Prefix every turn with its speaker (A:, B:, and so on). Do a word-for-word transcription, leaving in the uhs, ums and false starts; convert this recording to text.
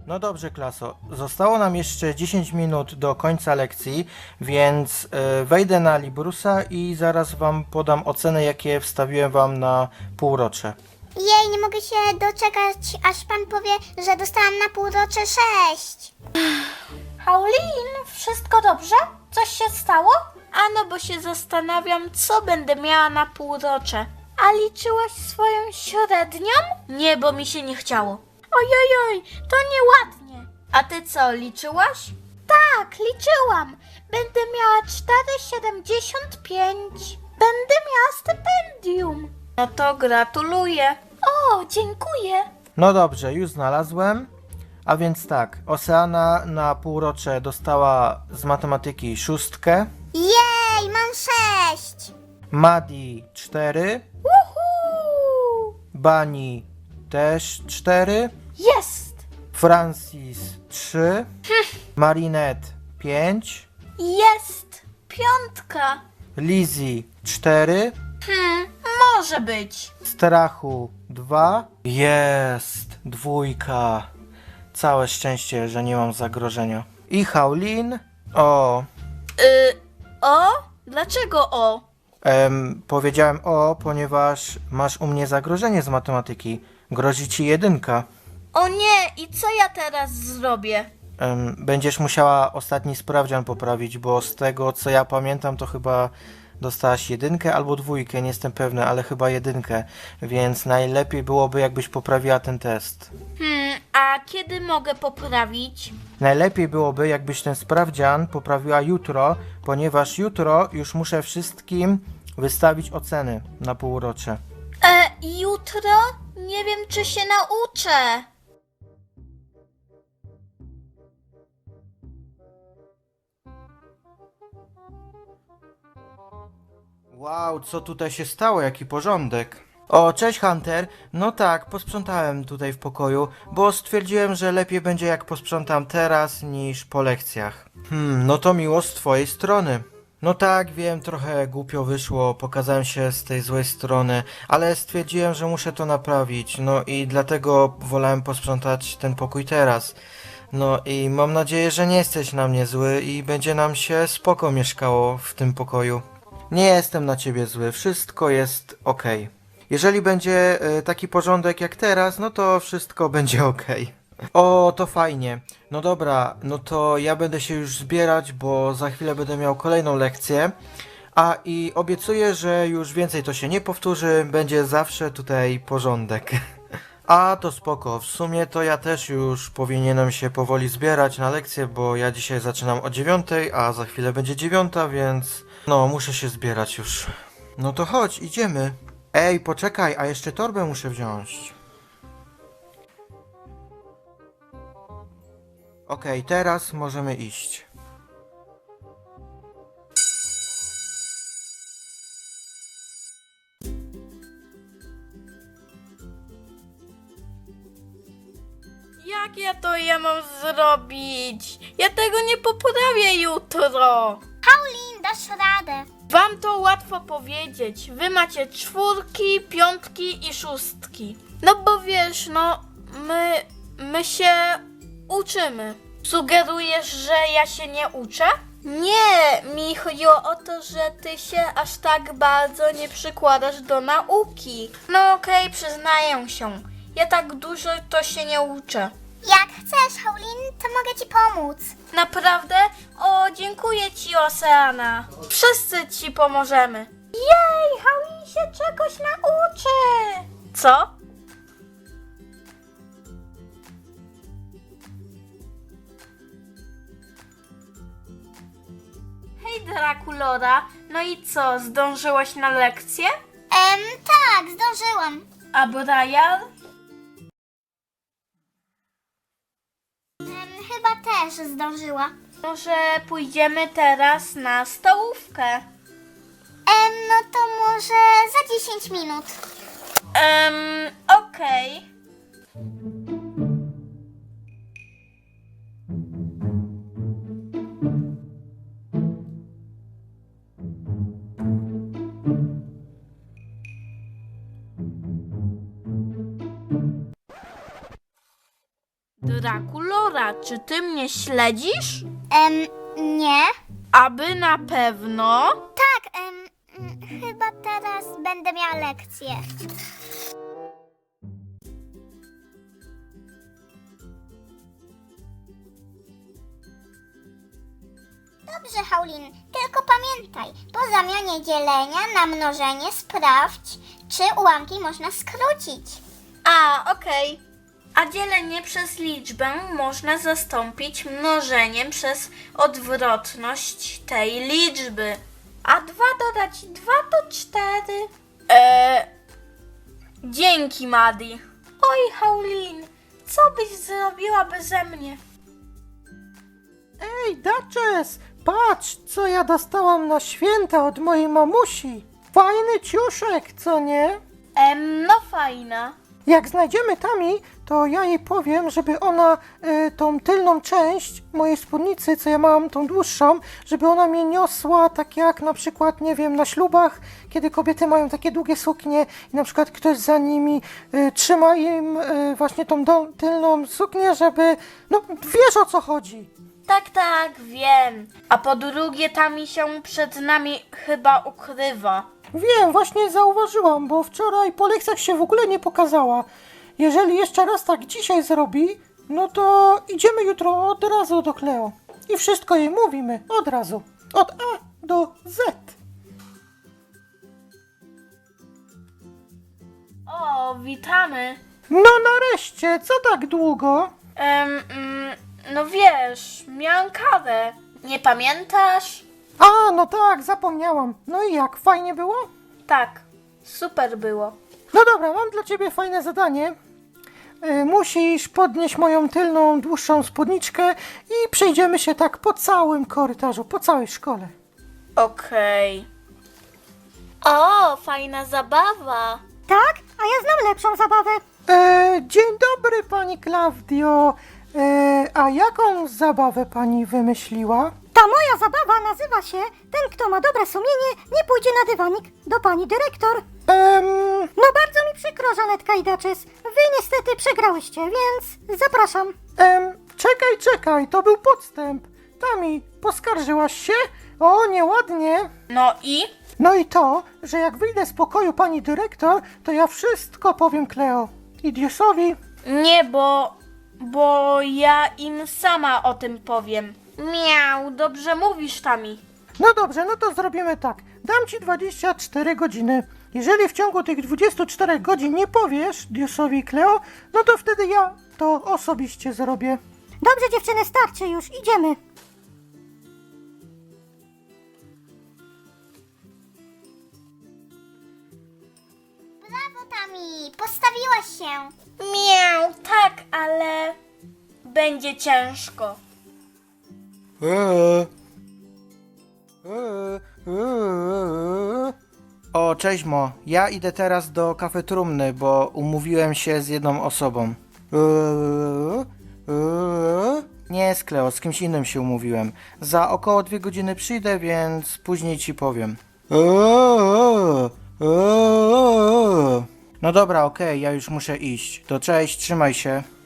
A: No dobrze, klaso. Zostało nam jeszcze dziesięć minut do końca lekcji, więc e, wejdę na Librusa i zaraz wam podam oceny, jakie wstawiłem wam na półrocze.
B: Jej, nie mogę się doczekać, aż pan powie, że dostałam na półrocze sześć.
C: Paulin, wszystko dobrze? Coś się stało? Ano, bo się zastanawiam, co będę miała na półrocze. A liczyłaś swoją średnią? Nie, bo mi się nie chciało. Ojojoj, to nieładnie. A ty co, liczyłaś? Tak, liczyłam. Będę miała cztery siedemdziesiąt pięć. Będę miała stypendium. No to gratuluję. O, dziękuję.
A: No dobrze, już znalazłem. A więc tak, Oceana na półrocze dostała z matematyki szóstkę,
B: Jej, mam sześć.
A: Madi cztery,
C: Uhu!
A: Bani też cztery,
C: Jest!
A: Francis trzy, Marinette pięć,
C: Jest! Piątka!
A: Lizzie cztery,
C: Hmm, może być.
A: Strachu dwa. Jest, dwójka. Całe szczęście, że nie mam zagrożenia. I Haulin. O,
C: Y, o? Dlaczego o?
A: em, powiedziałem o, ponieważ masz u mnie zagrożenie z matematyki. Grozi ci jedynka.
C: O nie, i co ja teraz zrobię?
A: Em, będziesz musiała ostatni sprawdzian poprawić, bo z tego co ja pamiętam, to chyba dostałaś jedynkę albo dwójkę, nie jestem pewny, ale chyba jedynkę, więc najlepiej byłoby, jakbyś poprawiła ten test.
C: Hmm, a kiedy mogę poprawić?
A: Najlepiej byłoby, jakbyś ten sprawdzian poprawiła jutro, ponieważ jutro już muszę wszystkim wystawić oceny na półrocze.
C: E, jutro? Nie wiem, czy się nauczę.
A: Wow, co tutaj się stało? Jaki porządek. O, cześć Hunter. No tak, posprzątałem tutaj w pokoju, bo stwierdziłem, że lepiej będzie jak posprzątam teraz niż po lekcjach. Hmm, no to miło z twojej strony. No tak, wiem, trochę głupio wyszło, pokazałem się z tej złej strony, ale stwierdziłem, że muszę to naprawić, no i dlatego wolałem posprzątać ten pokój teraz. No i mam nadzieję, że nie jesteś na mnie zły i będzie nam się spoko mieszkało w tym pokoju. Nie jestem na ciebie zły, wszystko jest okej. Jeżeli będzie e, taki porządek jak teraz, no to wszystko będzie okej. O, to fajnie. No dobra, no to ja będę się już zbierać, bo za chwilę będę miał kolejną lekcję. A i obiecuję, że już więcej to się nie powtórzy, będzie zawsze tutaj porządek. A to spoko, w sumie to ja też już powinienem się powoli zbierać na lekcję, bo ja dzisiaj zaczynam o dziewiątej, a za chwilę będzie dziewiąta, więc no muszę się zbierać już. No to chodź, idziemy. Ej, poczekaj, a jeszcze torbę muszę wziąć. Okej, teraz możemy iść.
C: Jak ja to ja mam zrobić? Ja tego nie poprawię jutro.
B: Paulin, dasz radę.
C: Wam to łatwo powiedzieć. Wy macie czwórki, piątki i szóstki. No bo wiesz, no my, my się uczymy. Sugerujesz, że ja się nie uczę? Nie, mi chodziło o to, że ty się aż tak bardzo nie przykładasz do nauki. No okej, przyznaję się. Ja tak dużo to się nie uczę.
B: Jak chcesz, Paulin, to mogę ci pomóc.
C: Naprawdę? O, dziękuję ci, Oceana. Wszyscy ci pomożemy. Jej, Paulin się czegoś nauczy. Co? Hej, Drakulora. No i co, zdążyłaś na lekcję?
B: Em, tak, zdążyłam.
C: A Brian?
B: Em, chyba też zdążyła.
C: Może pójdziemy teraz na stołówkę?
B: Em, no to może za dziesięć minut.
C: Em, okej. Dracula? Aurora, czy ty mnie śledzisz?
B: Em, nie.
C: Aby na pewno?
B: Tak, em, mm, chyba teraz będę miała lekcję. Dobrze, Haulin, tylko pamiętaj, po zamianie dzielenia na mnożenie sprawdź, czy ułamki można skrócić.
C: A, okej. A dzielenie przez liczbę można zastąpić mnożeniem przez odwrotność tej liczby. A dwa dodać dwa to cztery. Eee, dzięki, Madi. Oj, Haulin, co byś zrobiła beze mnie?
A: Ej, Duchess, patrz, co ja dostałam na święta od mojej mamusi. Fajny ciuszek, co nie?
C: Em, no fajna.
A: Jak znajdziemy Tami, to ja jej powiem, żeby ona y, tą tylną część mojej spódnicy, co ja mam, tą dłuższą, żeby ona mnie niosła tak jak na przykład, nie wiem, na ślubach, kiedy kobiety mają takie długie suknie i na przykład ktoś za nimi y, trzyma im y, właśnie tą do, tylną suknię, żeby, no wiesz o co chodzi.
C: Tak, tak, wiem. A po drugie, ta mi się przed nami chyba ukrywa.
A: Wiem, właśnie zauważyłam, bo wczoraj po lekcjach się w ogóle nie pokazała. Jeżeli jeszcze raz tak dzisiaj zrobi, no to idziemy jutro od razu do Kleo. I wszystko jej mówimy od razu. Od A do Z.
C: O, witamy.
A: No nareszcie, co tak długo?
C: Em, mm, no wiesz, miałam kawę. Nie pamiętasz?
A: A, no tak, zapomniałam. No i jak, fajnie było?
C: Tak, super było.
A: No dobra, mam dla ciebie fajne zadanie. Y, musisz podnieść moją tylną, dłuższą spódniczkę i przejdziemy się tak po całym korytarzu, po całej szkole.
C: Okej. O, fajna zabawa.
B: Tak? A ja znam lepszą zabawę.
A: E, dzień dobry, pani Klaudio. E, a jaką zabawę pani wymyśliła?
B: Ta moja zabawa nazywa się Ten, kto ma dobre sumienie, nie pójdzie na dywanik do pani dyrektor.
A: Em,
B: No bardzo mi przykro, Żanetka i Duchess. Wy niestety przegrałyście, więc zapraszam.
A: em, czekaj, czekaj, to był podstęp. Tami, poskarżyłaś się? O, nieładnie.
C: No i?
A: No i to, że jak wyjdę z pokoju pani dyrektor, to ja wszystko powiem Kleo. I Diusowi.
C: Nie, bo... bo ja im sama o tym powiem. Miau, dobrze mówisz, Tami.
A: No dobrze, no to zrobimy tak. Dam ci dwadzieścia cztery godziny. Jeżeli w ciągu tych dwudziestu czterech godzin nie powiesz Diusowi i Kleo, no to wtedy ja to osobiście zrobię.
B: Dobrze, dziewczyny, starczy już, idziemy. Brawo, Tami, postawiłaś się.
C: Miau, tak, ale... będzie ciężko.
A: Eee. Eee. Eee. O, cześć Mo. Ja idę teraz do kafetrumny, bo umówiłem się z jedną osobą. Eee. Eee. Nie z Kleo, z kimś innym się umówiłem. Za około dwie godziny przyjdę, więc później ci powiem. Eee. Eee. No dobra, okej, ja już muszę iść. To cześć, trzymaj się.